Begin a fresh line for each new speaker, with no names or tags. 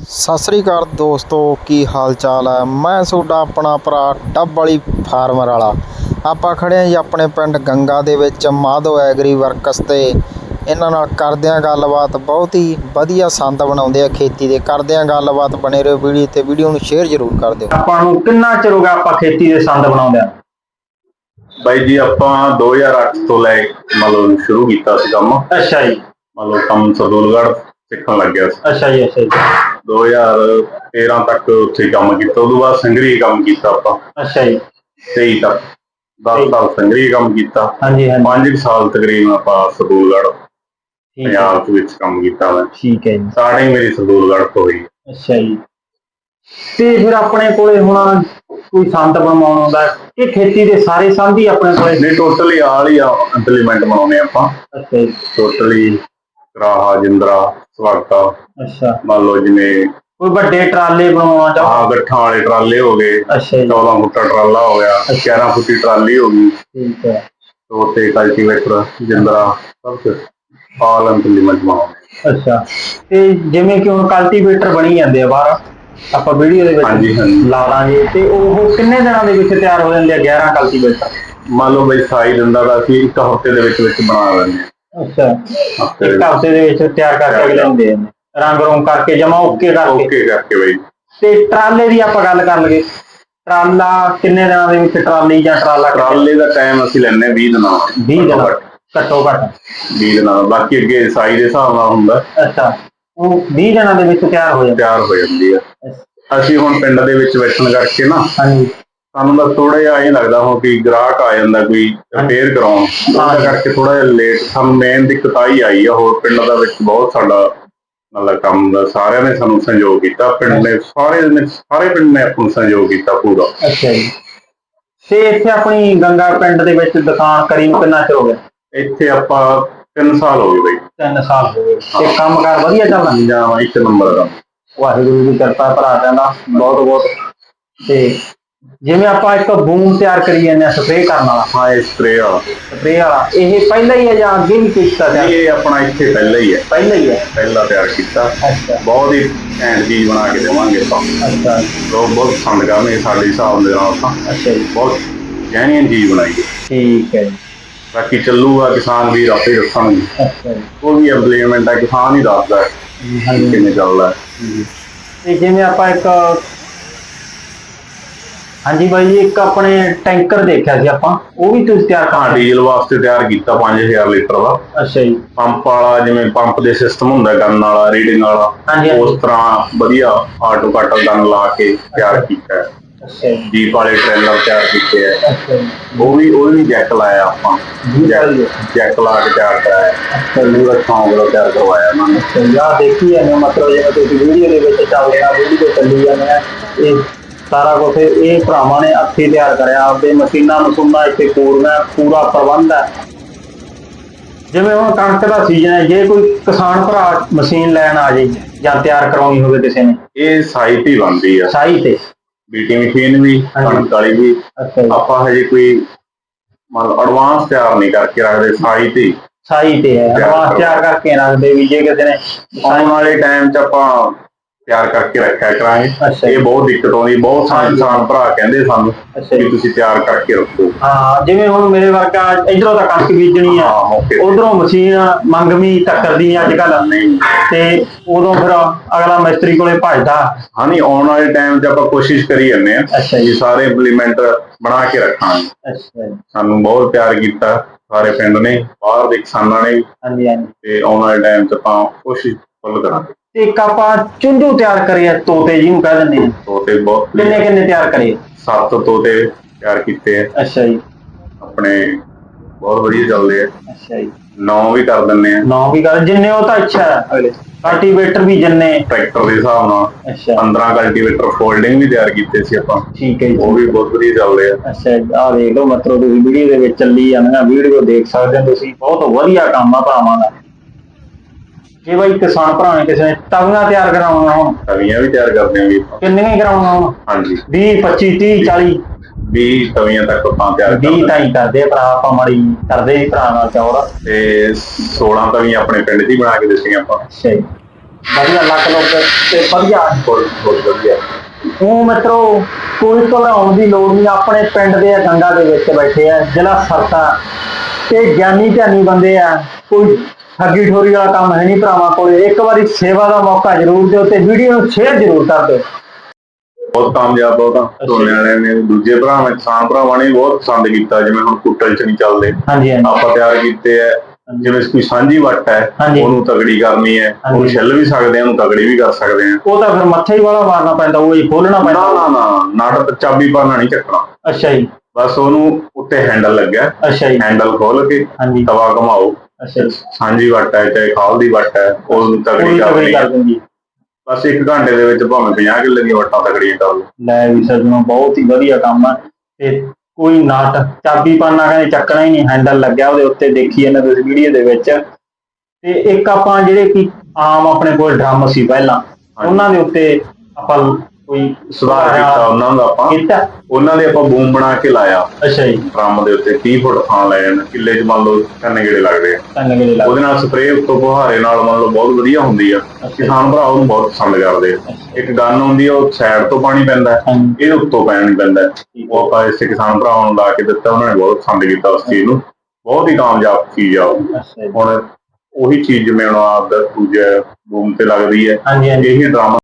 ਸਤਿ ਸ੍ਰੀ ਅਕਾਲ ਦੋਸਤੋ, ਕੀ ਹਾਲ ਚਾਲ ਹੈ। ਮੈਂ ਤੁਹਾਡਾ ਆਪਣਾ ਭਰਾ ਡੱਬ ਵਾਲੀ ਫਾਰਮਰ ਵਾਲਾ। ਆਪਾਂ ਖੜੇ ਹਾਂ ਜੀ ਆਪਣੇ ਪਿੰਡ ਗੰਗਾ ਦੇ ਵਿੱਚ ਮਾਧੋ ਐਗਰੀ ਵਰਕਸ ਤੇ ਇਹਨਾਂ ਨਾਲ ਕਰਦੇ ਹਾਂ ਗੱਲਬਾਤ। ਬਹੁਤ ਹੀ ਵਧੀਆ ਸੰਦ ਬਣਾਉਂਦੇ ਆ ਖੇਤੀ ਦੇ। ਕਰਦੇ ਹਾਂ ਗੱਲਬਾਤ, ਬਣੇ ਰਹੋ ਵੀਡੀਓ ਤੇ। ਵੀਡੀਓ ਨੂੰ ਸ਼ੇਅਰ ਜ਼ਰੂਰ ਕਰ ਦਿਓ।
ਆਪਾਂ ਨੂੰ ਕਿੰਨਾ ਚਿਰ ਹੋ ਗਿਆ ਆਪਾਂ ਖੇਤੀ ਦੇ ਸੰਦ ਬਣਾਉਂਦੇ ਆ?
ਬਾਈ ਜੀ ਆਪਾਂ 2008 ਤੋਂ ਲੈ ਮਤਲਬ ਸ਼ੁਰੂ ਕੀਤਾ ਸੀ ਕੰਮ।
ਅੱਛਾ ਜੀ।
ਮਤਲਬ ਕੰਮ ਸਰਦੂਲਗੜ੍ਹ ਸਿੱਖਣ ਲੱਗਿਆ ਸੀ।
ਅੱਛਾ ਜੀ। ਅੱਛਾ ਜੀ।
2013 ਤੱਕ ਉੱਥੇ ਕੰਮ ਕੀਤਾ। ਉਦੋਂ ਬਾਅਦ ਸੰਗਰੀ ਕੰਮ ਕੀਤਾ ਆਪਾਂ।
ਅੱਛਾ ਜੀ।
23 ਤੱਕ 10 ਸਾਲ ਸੰਗਰੀ ਕੰਮ ਕੀਤਾ।
ਹਾਂਜੀ ਹਾਂਜੀ।
5 ਸਾਲ ਤਕਰੀਬਨ ਆਪਾਂ ਸਰਦੂਲਗੜ੍ਹ ਪੰਜਾਬ ਵਿੱਚ ਕੰਮ ਕੀਤਾ। ਮੈਂ
ਠੀਕ ਹੈ ਜੀ।
ਸਟਾਰਟਿੰਗ ਮੇਰੀ ਸਰਦੂਲਗੜ੍ਹ ਤੋਂ ਹੋਈ।
ਅੱਛਾ ਜੀ। ਤੇ ਫਿਰ ਆਪਣੇ ਕੋਲੇ ਹੁਣ ਕੋਈ ਸੰਦ ਬਣਾਉਣ ਆਉਂਦਾ ਕਿ ਖੇਤੀ ਦੇ ਸਾਰੇ ਸੰਦ ਹੀ ਆਪਣੇ ਕੋਲੇ?
ਨਹੀਂ, ਟੋਟਲੀ ਆਲ ਹੀ ਇੰਪਲੀਮੈਂਟ ਬਣਾਉਂਦੇ ਆਪਾਂ।
ਅੱਛਾ ਜੀ।
ਟੋਟਲੀ ਕਰਾਹਾ, ਜਿੰਦਰਾ, ਸਵਾਗਾ।
ਅੱਛਾ।
ਮੰਨ ਲਓ ਜਿਵੇਂ
ਕੋਈ ਵੱਡੇ ਟਰਾਲੇ ਬਣਾਉਣਾ ਚਾਹੁੰਦਾ?
ਗੱਠਾਂ ਵਾਲੇ ਟਰਾਲੇ ਹੋ ਗਏ।
ਅੱਛਾ ਜੀ।
14 ਫੁੱਟਾ ਟਰਾਲਾ ਹੋ ਗਿਆ। 11 ਫੁੱਟੀ ਟਰਾਲੀ ਹੋ ਗਈ।
ਠੀਕ ਹੈ।
ਤੋਤੇ, ਕਲਟੀਵੇਟਰ, ਜਿੰਦਰਾ, ਸਭ ਕੁਝ ਆਲ ਇੰਪਲੀਮੈਂਟ ਬਣਾਉਂਦੇ।
ਅੱਛਾ। ਤੇ ਜਿਵੇਂ ਕਿ ਹੁਣ ਕਲਟੀਵੇਟਰ ਬਣੀ ਜਾਂਦੇ ਆ ਬਾਹਰ, ਆਪਾਂ ਵੀਡੀਓ ਦੇ ਵਿੱਚ ਲਾ ਦਾਂਗੇ, ਤੇ ਉਹ ਕਿੰਨੇ ਦਿਨਾਂ ਦੇ ਵਿੱਚ ਤਿਆਰ ਹੋ ਜਾਂਦੇ ਆ 11 ਕਲਟੀਵੇਟਰ?
ਮੰਨ ਲਓ ਬਈ ਸਾਈ ਦਿੰਦਾ ਤਾਂ ਅਸੀਂ 1 ਹਫ਼ਤੇ ਦੇ ਵਿੱਚ ਬਣਾ ਲੈਂਦੇ ਹਾਂ।
ਅੱਛਾ। 1 ਹਫ਼ਤੇ ਦੇ ਵਿੱਚ ਤਿਆਰ ਕਰਕੇ ਅਗਲੇ ਨੂੰ ਦੇ ਦਿੰਦੇ, ਰੰਗ ਰੋਂਗ ਕਰਕੇ ਜਮਾ ਓਕੇ
ਕਰਕੇ ਬਈ।
ਤੇ ਟਰਾਲੇ ਦੀ ਆਪਾਂ ਗੱਲ ਕਰ ਲਈਏ, ਟਰਾਲਾ ਕਿੰਨੇ ਦਿਨਾਂ ਦੇ ਵਿੱਚ ਟਰਾਲੀ ਜਾਂ
ਟਰਾਲੇ ਦਾ ਟਾਈਮ ਅਸੀਂ ਲੈਂਦੇ 20 ਦਿਨਾਂ।
20 ਦਿਨ ਘੱਟੋ ਘੱਟ
20 ਦਿਨਾਂ। ਬਾਕੀ ਅੱਗੇ ਸਾਈ ਦੇ ਹਿਸਾਬ ਨਾਲ ਹੁੰਦਾ।
ਅੱਛਾ। ਉਹ 20 ਦਿਨਾਂ ਦੇ ਵਿੱਚ ਤਿਆਰ ਹੋ
ਜਾਂਦੀ ਹੈ। ਅਸੀਂ ਹੁਣ ਪਿੰਡ ਦੇ ਵਿੱਚ ਬੈਠਣ ਕਰਕੇ ਨਾ,
ਹਾਂਜੀ,
ਸਾਨੂੰ ਤਾਂ ਥੋੜਾ ਜਿਹਾ ਇਹ ਲੱਗਦਾ ਹੋ ਕਿ ਗ੍ਰਾਹਕ ਆ ਜਾਂਦਾ ਕੋਈ ਰਿਪੇਅਰ ਕਰਾਉਣ, ਉਹਦਾ ਕਰਕੇ ਥੋੜਾ ਜਿਹਾ ਲੇਟ ਸਾਨੂੰ ਮੇਨ ਦਿੱਕਤ ਆਈ ਆ। ਹੋਰ ਪਿੰਡ ਦਾ ਵਿੱਚ ਬਹੁਤ ਸਾਡਾ ਮਤਲਬ ਕੰਮ ਦਾ ਸਾਰਿਆਂ ਨੇ ਸਾਨੂੰ ਸਹਿਯੋਗ ਕੀਤਾ। ਪਿੰਡ ਨੇ ਸਾਰੇ ਪਿੰਡ ਨੇ ਆਪਾਂ ਨੂੰ ਸਹਿਯੋਗ ਕੀਤਾ ਪੂਰਾ।
ਅੱਛਾ ਜੀ। ਤੇ ਇੱਥੇ ਆਪਣੀ ਗੰਗਾ ਪਿੰਡ ਦੇ ਵਿੱਚ ਦੁਕਾਨ ਕਰੀ ਨੂੰ ਕਿੰਨਾ ਚਿਰ ਹੋ ਗਿਆ?
ਇੱਥੇ ਆਪਾਂ 3 ਸਾਲ ਹੋ ਗਏ ਬਈ।
3 ਸਾਲ ਹੋ ਗਏ। ਤੇ ਕੰਮਕਾਰ ਵਧੀਆ ਚੱਲਦਾ?
ਜਾਂ 1 ਨੰਬਰ ਦਾ।
ਵਾਹਿਗੁਰੂ ਦੀ ਕਿਰਪਾ ਭਰਾ ਕਹਿੰਦਾ ਬਹੁਤ ਬਹੁਤ। ਤੇ ਜਿਵੇਂ ਆਪਾਂ ਇੱਕ ਬੂਮ ਤਿਆਰ ਕਰੀ ਜਾਂਦੇ ਆ ਸਪਰੇਅ ਕਰਨ ਵਾਲਾ।
ਹਾਂ, ਇਹ ਸਪਰੇਅ ਵਾਲਾ
ਇਹ ਪਹਿਲਾਂ ਹੀ ਹੈ ਜਾਂ ਅੱਗੇ ਵੀ ਕੀਤਾ?
ਇਹ ਆਪਣਾ ਇੱਥੇ ਪਹਿਲਾਂ ਹੀ ਹੈ। ਪਹਿਲਾਂ ਤਿਆਰ ਕੀਤਾ।
ਅੱਛਾ।
ਬਹੁਤ ਹੀ ਘੈਂਟ ਚੀਜ਼ ਬਣਾ ਕੇ ਦੇਵਾਂਗੇ ਆਪਾਂ।
ਅੱਛਾ।
ਲੋਕ ਬਹੁਤ ਪਸੰਦ ਕਰਨਗੇ ਸਾਡੇ ਹਿਸਾਬ ਦੇ ਨਾਲ ਤਾਂ।
ਅੱਛਾ ਜੀ।
ਬਹੁਤ ਜੈਨੂਇਨ ਚੀਜ਼ ਬਣਾਈ ਹੈ।
ਠੀਕ ਹੈ ਜੀ।
ਬਾਕੀ ਚੱਲੂਗਾ ਕਿਸਾਨ ਵੀ ਆਪੇ ਦੱਸਣਗੇ।
ਅੱਛਾ ਜੀ।
ਉਹ ਵੀ ਇੰਪਲੀਮੈਂਟ ਹੈ, ਕਿਸਾਨ ਹੀ ਦੱਸਦਾ ਕਿਵੇਂ ਚੱਲਦਾ ਹੈ।
ਤੇ ਜਿਵੇਂ ਆਪਾਂ ਇੱਕ, ਹਾਂਜੀ ਬਾਈ ਜੀ, ਇੱਕ ਆਪਣੇ ਟੈਂਕਰ ਦੇਖਿਆ ਸੀ ਆਪਾਂ, ਉਹ ਵੀ ਤੁਸੀਂ ਤਿਆਰ
ਹਾਂ, ਡੀਜ਼ਲ ਵਾਸਤੇ ਤਿਆਰ ਕੀਤਾ 5000 ਲੀਟਰ ਦਾ।
ਅੱਛਾ ਜੀ।
ਪੰਪ ਵਾਲਾ, ਜਿਵੇਂ ਪੰਪ ਦੇ ਸਿਸਟਮ ਹੁੰਦਾ ਗਨ ਵਾਲਾ, ਰੀਡਿੰਗ ਵਾਲਾ, ਉਸ ਤਰ੍ਹਾਂ ਵਧੀਆ ਆਟੋ ਕੱਟ ਗਨ ਲਾ ਕੇ ਤਿਆਰ ਕੀਤਾ ਹੈ। ਜੀਪ ਵਾਲੇ ਟ੍ਰੇਲਰ ਤਿਆਰ ਕੀਤੇ ਹੈ। ਉਹ ਵੀ ਜੈਕ ਲਾਇਆ ਆਪਾਂ, ਜੈਕ ਲਾ ਕੇ ਤਿਆਰ ਕਰਾਇਆ। ਪੂਰਾ ਸ਼ੌਂਕ ਦਾ ਤਿਆਰ ਕਰਵਾਇਆ ਉਹਨਾਂ ਨੇ।
ਆਹ ਦੇਖੀ ਜਾਂਦੇ ਮਤਲਬ ਜਿਵੇਂ ਤੁਸੀਂ ਵੀਡੀਓ ਦੇ ਵਿੱਚ ਚੱਲਦੇ ਆ, ਵੀਡੀਓ ਚੱਲੀ ਜਾਂਦੇ ਆ, ਇਹ ਸਾਰਾ ਕੁਛ ਇਹ ਭਰਾਵਾਂ ਨੇ ਹੱਥੀਂ ਤਿਆਰ ਕਰਿਆ। ਆਪਦੇ ਮਸ਼ੀਨਾਂ ਮਸ਼ੂਨਾਂ ਇੱਥੇ ਪੂਰਾ ਪ੍ਰਬੰਧ ਹੈ। ਜਿਵੇਂ ਹੁਣ ਕਣਕ ਦਾ ਸੀਜ਼ਨ ਹੈ, ਜੇ ਕੋਈ ਕਿਸਾਨ ਭਰਾ ਮਸ਼ੀਨ ਲੈਣ ਆ ਜਾਏ ਜਾਂ ਤਿਆਰ ਕਰਾਉਣੀ ਹੋਵੇ ਕਿਸੇ ਨੇ,
ਇਹ ਸਾਈ ਤੇ ਬਣਦੀ ਆ।
ਸਾਈ ਤੇ
ਬੀਟੀ ਮਸ਼ੀਨ ਵੀ, ਕਣਕ ਵਾਲੀ ਵੀ। ਆਪਾਂ ਹਜੇ ਕੋਈ ਮਤਲਬ ਐਡਵਾਂਸ ਤਿਆਰ ਨਹੀਂ ਕਰਕੇ ਰੱਖਦੇ, ਸਾਈ ਤੇ
ਹੈ। ਐਡਵਾਂਸ ਤਿਆਰ ਕਰਕੇ ਰੱਖਦੇ ਵੀ ਜੇ ਕਿਸੇ ਨੇ
ਆਉਣ ਵਾਲੇ ਟਾਈਮ 'ਚ ਆਪਾਂ ਤਿਆਰ ਕਰਕੇ ਰੱਖਿਆ ਕਰਾਂਗੇ। ਇਹ ਬਹੁਤ ਦਿੱਕਤ ਆਉਂਦੀ, ਬਹੁਤ ਸਾਰੇ ਕਿਸਾਨ ਭਰਾ ਕਹਿੰਦੇ ਸਾਨੂੰ ਕਿ ਤੁਸੀਂ ਤਿਆਰ ਕਰਕੇ ਰੱਖੋ।
ਹਾਂ, ਜਿਵੇਂ ਹੁਣ ਮੇਰੇ ਵਰਗਾ ਇਧਰੋਂ ਤਾਂ ਕਣਕ ਬੀਜਣੀ ਆ, ਉਧਰੋਂ ਮਸ਼ੀਨ ਮੰਗਵੀਂ ਟੱਕਰਦੀ ਅੱਜ ਕੱਲ, ਤੇ ਉਦੋਂ ਫਿਰ ਅਗਲਾ ਮਿਸਤਰੀ ਕੋਲੇ ਭੱਜਦਾ।
ਹਾਂ, ਨਹੀਂ, ਆਉਣ ਵਾਲੇ ਟਾਈਮ 'ਚ ਆਪਾਂ ਕੋਸ਼ਿਸ਼ ਕਰੀ ਜਾਂਦੇ ਹਾਂ ਕਿ ਸਾਰੇ ਇੰਪਲੀਮੈਂਟ ਬਣਾ ਕੇ ਰੱਖਾਂਗੇ। ਸਾਨੂੰ ਬਹੁਤ ਪਿਆਰ ਕੀਤਾ ਸਾਰੇ ਪਿੰਡ ਨੇ, ਬਾਹਰ ਦੇ ਕਿਸਾਨਾਂ ਨੇ ਵੀ। ਤੇ ਆਉਣ ਵਾਲੇ ਟਾਈਮ 'ਚ ਆਪਾਂ ਕੋਸ਼ਿਸ਼ ਫੁੱਲ ਕਰਾਂਗੇ।
ਇੱਕ ਆਪਾਂ ਚੁੰਝੂ ਤਿਆਰ ਕਰੇ, ਤੋਤੇ ਜਿਹਨੂੰ ਕਹਿ ਦਿੰਦੇ ਆ।
ਤੋਤੇ ਬਹੁਤ
ਕਿੰਨੇ ਤਿਆਰ ਕਰੇ?
7 ਤੋਤੇ ਤਿਆਰ ਕੀਤੇ ਆ।
ਅੱਛਾ ਜੀ।
ਆਪਣੇ ਬਹੁਤ ਵਧੀਆ ਚੱਲਦੇ ਆ।
ਅੱਛਾ ਜੀ।
9 ਵੀ ਕਰ ਦਿੰਦੇ ਆ।
9 ਵੀ ਕਰ, ਜਿੰਨੇ ਉਹ ਤਾਂ ਅੱਛਾ ਹੈ। ਕਲਟੀਵੇਟਰ ਵੀ ਜਿੰਨੇ
ਟਰੈਕਟਰ ਦੇ ਹਿਸਾਬ ਨਾਲ 15 ਕਲਟੀਵੇਟਰ ਫੋਲਡਿੰਗ ਵੀ ਤਿਆਰ ਕੀਤੇ ਸੀ ਆਪਾਂ।
ਠੀਕ ਹੈ ਜੀ।
ਉਹ ਵੀ ਬਹੁਤ ਵਧੀਆ ਚੱਲਦੇ ਆ।
ਅੱਛਾ, ਆਹ ਦੇਖ ਲਓ, ਮਤਲਬ ਤੁਸੀਂ ਵੀਡੀਓ ਦੇ ਵਿੱਚ ਚੱਲੀ ਜਾਂਦੀਆਂ, ਵੀਡੀਓ ਦੇਖ ਸਕਦੇ ਹੋ ਤੁਸੀਂ। ਬਹੁਤ ਵਧੀਆ ਕੰਮ ਆ ਭਰਾਵਾਂ ਦਾ। ਜੇ ਬਾਈ ਕਿਸਾਨ ਭਰਾ ਨੇ ਕਿਸੇ ਨੇ ਤਵੀਆਂ ਤਿਆਰ ਕਰਾਉਣਾ ਹੋਣ,
ਤਵੀਆਂ ਵੀ ਤਿਆਰ ਕਰਦੇ ਆਂਗੇ।
ਕਿੰਨੀਆਂ ਹੀ ਕਰਾਉਣਾ ਹੋਣ?
ਹਾਂਜੀ,
20, 25, 30, 40,
20 ਤਵੀਆਂ ਤੱਕ ਆਪਾਂ ਤਿਆਰ
20 ਤਾਂ ਹੀ ਕਰਦੇ ਭਰਾ। ਆਪਾਂ ਮਾੜੀ ਕਰਦੇ ਭਰਾ ਨਾਲ ਚੌੜ।
ਤੇ 16 ਤਵੀਆਂ ਆਪਣੇ ਪਿੰਡ 'ਚ ਹੀ ਬਣਾ ਕੇ ਦਿੱਤੀਆਂ ਆਪਾਂ।
ਅੱਛਾ ਜੀ। ਵਧੀਆ ਲੱਕ ਲੁੱਕ ਤੇ ਵਧੀਆ
ਬਹੁਤ ਵਧੀਆ।
ਉਹ ਮਿੱਤਰੋ ਕੋਈ ਘਬਰਾਉਣ ਦੀ ਲੋੜ ਨਹੀਂ, ਆਪਣੇ ਪਿੰਡ ਦੇ ਗੰਗਾ ਦੇ ਵਿੱਚ ਬੈਠੇ ਆ, ਜ਼ਿਲ੍ਹਾ ਸਰਤਾ ਤੇ ਗਿਆਨੀ ਧਿਆਨੀ ਬੰਦੇ ਆ, ਕੋਈ ਠੱਗੀ ਠੋਰੀ ਵਾਲਾ ਕੰਮ ਹੈ ਨਹੀਂ ਭਰਾਵਾਂ ਕੋਲੇ। ਇੱਕ ਵਾਰੀ ਸੇਵਾ ਦਾ ਮੌਕਾ ਜ਼ਰੂਰ ਦਿਓ ਤੇ ਵੀਡੀਓ ਨੂੰ ਸ਼ੇਅਰ ਜ਼ਰੂਰ ਕਰ ਦਿਓ।
ਬਹੁਤ ਕਾਮਯਾਬ ਬਹੁਤ ਝੋਨੇ ਵਾਲਿਆਂ ਨੇ, ਦੂਜੇ ਭਰਾਵਾਂ ਕਿਸਾਨ ਭਰਾਵਾਂ ਨੇ ਬਹੁਤ ਪਸੰਦ ਕੀਤਾ। ਜਿਵੇਂ ਹੁਣ ਕੁੱਟਲ ਚ ਨਹੀਂ ਚੱਲਦੇ, ਆਪਾਂ ਤਿਆਰ ਕੀਤੇ ਆ। ਜਿਵੇਂ ਕੋਈ ਸਾਂਝੀ ਵੱਟ ਹੈ, ਉਹਨੂੰ ਤਗੜੀ ਕਰਨੀ ਹੈ, ਉਹਨੂੰ ਛਿੱਲ ਵੀ ਸਕਦੇ ਆ, ਉਹਨੂੰ ਤਗੜੀ ਵੀ ਕਰ ਸਕਦੇ ਆ।
ਉਹ ਤਾਂ ਫਿਰ ਮੱਥੇ ਹੀ ਵਾਲਾ ਮਾਰਨਾ ਪੈਂਦਾ, ਉਹ ਹੀ ਖੋਲਣਾ ਪੈਂਦਾ।
ਨਾ ਨਟ ਚਾਬੀ ਪਾਣਾ ਨਹੀਂ ਚੱਕਣਾ।
ਅੱਛਾ ਜੀ।
ਬਸ ਉਹਨੂੰ ਉੱਤੇ ਹੈਂਡਲ ਲੱਗਿਆ,
ਅੱਛਾ ਜੀ।
ਹੈਂਡਲ ਖੋਲ ਕੇ ਤਵਾ ਘਮਾਓ। ਸਾਂਝੀ ਵੱਟ ਹੈ ਚਾਹੇ ਖਾਲ ਦੀ ਵੱਟ ਹੈ, ਉਹਨੂੰ ਤਗੜੀ ਕਰ ਦਿੰਦੀ। ਬਸ 1 ਘੰਟੇ ਦੇ ਵਿੱਚ ਭਾਵੇਂ 50 ਕਿੱਲੇ ਦੀਆਂ ਵੱਟਾਂ ਤਗੜੀਆਂ ਕਰ ਲਓ।
ਲੈ ਵੀ ਸੱਜਣੋ, ਬਹੁਤ ਹੀ ਵਧੀਆ ਕੰਮ ਆ। ਤੇ ਕੋਈ ਨਟ ਚਾਬੀ ਪਾਣਾ ਕਹਿੰਦੇ ਚੱਕਣਾ ਹੀ ਨਹੀਂ, ਹੈਂਡਲ ਲੱਗਿਆ ਉਹਦੇ ਉੱਤੇ, ਦੇਖੀ ਇਹਨਾਂ ਤੁਸੀਂ ਵੀਡੀਓ ਦੇ ਵਿੱਚ। ਤੇ ਇੱਕ ਆਪਾਂ ਜਿਹੜੇ ਕਿ ਆਮ ਆਪਣੇ ਕੋਲ ਡਰਮ ਸੀ ਪਹਿਲਾਂ, ਉਹਨਾਂ ਦੇ ਉੱਤੇ ਆਪਾਂ ਕੋਈ
ਸੁਧਾਰ ਕੀਤਾ ਉਹਨਾਂ ਦੇ ਆਪਾਂ ਬੂਮ ਬਣਾ ਕੇ ਲਾਇਆ।
ਅੱਛਾ ਜੀ।
ਡਰਮ ਦੇ ਉੱਤੇ 30 ਫੁੱਟ ਥਾਂ ਲੈ ਜਾਣਾ, ਕਿੱਲੇ ਚ ਮੰਨ ਲਓ 3 ਗੇੜੇ ਲੱਗਦੇ ਆ। ਉਹਦੇ ਨਾਲ ਸਪਰੇਅ ਉੱਤੋਂ ਫੁਹਾਰੇ ਨਾਲ ਮੰਨ ਲਓ ਬਹੁਤ ਵਧੀਆ ਹੁੰਦੀ ਆ। ਕਿਸਾਨ ਭਰਾ ਉਹਨੂੰ ਬਹੁਤ ਪਸੰਦ ਕਰਦੇ ਆ। ਇੱਕ ਗਨ ਹੁੰਦੀ ਆ, ਉਹ ਸਾਈਡ ਤੋਂ ਪਾਣੀ ਪੈਂਦਾ, ਇਹ ਉੱਤੋਂ ਪਾਣੀ ਪੈਂਦਾ। ਉਹ ਆਪਾਂ ਇਸੇ ਕਿਸਾਨ ਭਰਾਵਾਂ ਨੂੰ ਲਾ ਕੇ ਦਿੱਤਾ, ਉਹਨਾਂ ਨੇ ਬਹੁਤ ਪਸੰਦ ਕੀਤਾ ਉਸ ਚੀਜ਼ ਨੂੰ। ਬਹੁਤ ਹੀ ਕਾਮਯਾਬ ਚੀਜ਼ ਆ ਉਹ। ਹੁਣ ਉਹੀ ਚੀਜ਼ ਜਿਵੇਂ ਹੁਣ ਆਪਦਾ ਦੂਜਾ ਬੂਮ ਤੇ ਲੱਗਦੀ ਹੈ, ਇਹੀ ਡਰਮ